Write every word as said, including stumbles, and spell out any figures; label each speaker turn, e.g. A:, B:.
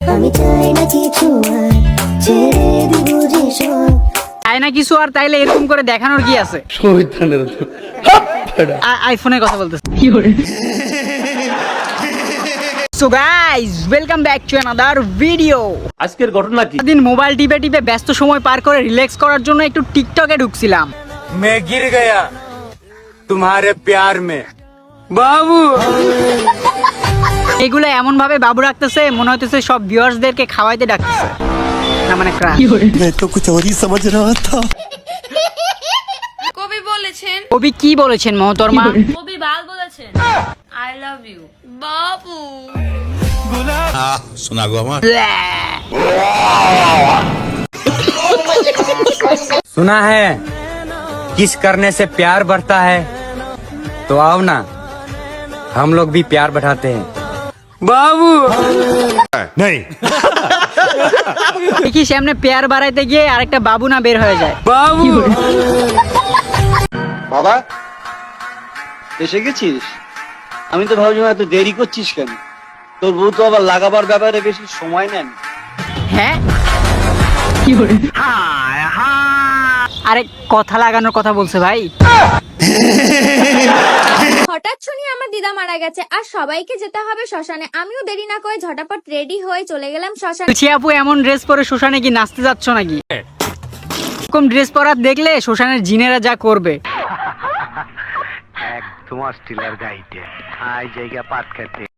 A: আমি চাই না কিছু আর ছেড়ে দিব যে সব।
B: চাই না কিছু আর, তাইলে এরকম করে দেখানোর কি আছে? আ- আইফোনের কথা বলতেছে। So guys, welcome back to another video.
C: আজকের ঘটনা কি?
B: দিন মোবাইল টিপে টিপে ব্যস্ত সময় পার করে রিল্যাক্স করার জন্য একটু টিকটকে ঢুকছিলাম।
D: मैं गिर गया तुम्हारे प्यार में बाबू।
B: এগুলো এমন ভাবে বাবু রাখতেছে, মনে হইতেছে সব ভিউয়ার্সদেরকে খাওয়াইতে ডাকতেছে। না মানে ক্রাশ।
E: मैं तो कुछ और ही समझ रहा था।
F: কবি বলেছেন,
B: কবি কি বলেছেন মহতরমা?
F: কবি বাল বলেছেন আই লাভ ইউ বাবু।
E: सुना गो हमार
D: सुना है किस करने से प्यार बढ़ता है, तो आओ ना हम लोग भी प्यार बढ़ाते हैं बाबू।
E: नहीं
B: দেখি সামনে পেয়ার বাড়াইতে গিয়ে আরেকটা বাবু না বের হয়ে যায়।
D: बाबू
G: বাবা এসে গেছিস? আমি তো ভাবছিলাম এত দেরি করছিস কেন? তোর বউ তো আবার লাগাবার ব্যাপারে বেশি সময় নেন।
B: হ্যাঁ, আরে কথা লাগানোর কথা বলছে ভাই।
H: হঠাৎ শুনি আমার দিদা মারা গেছে আর সবাইকে যেতে হবে শ্মশানে। আমিও দেরি না করে ঝটাপট রেডি হয়ে চলে গেলাম শ্মশানে।
B: তুই আপু এমন ড্রেস পরে শ্মশানে কি নাচতে যাচ্ছ নাকি? এরকম ড্রেস পরা দেখলে শ্মশানের জিনেরা যা করবে।
I: তোমার স্টিলার গাইতে আই জায়গা পাট খেতে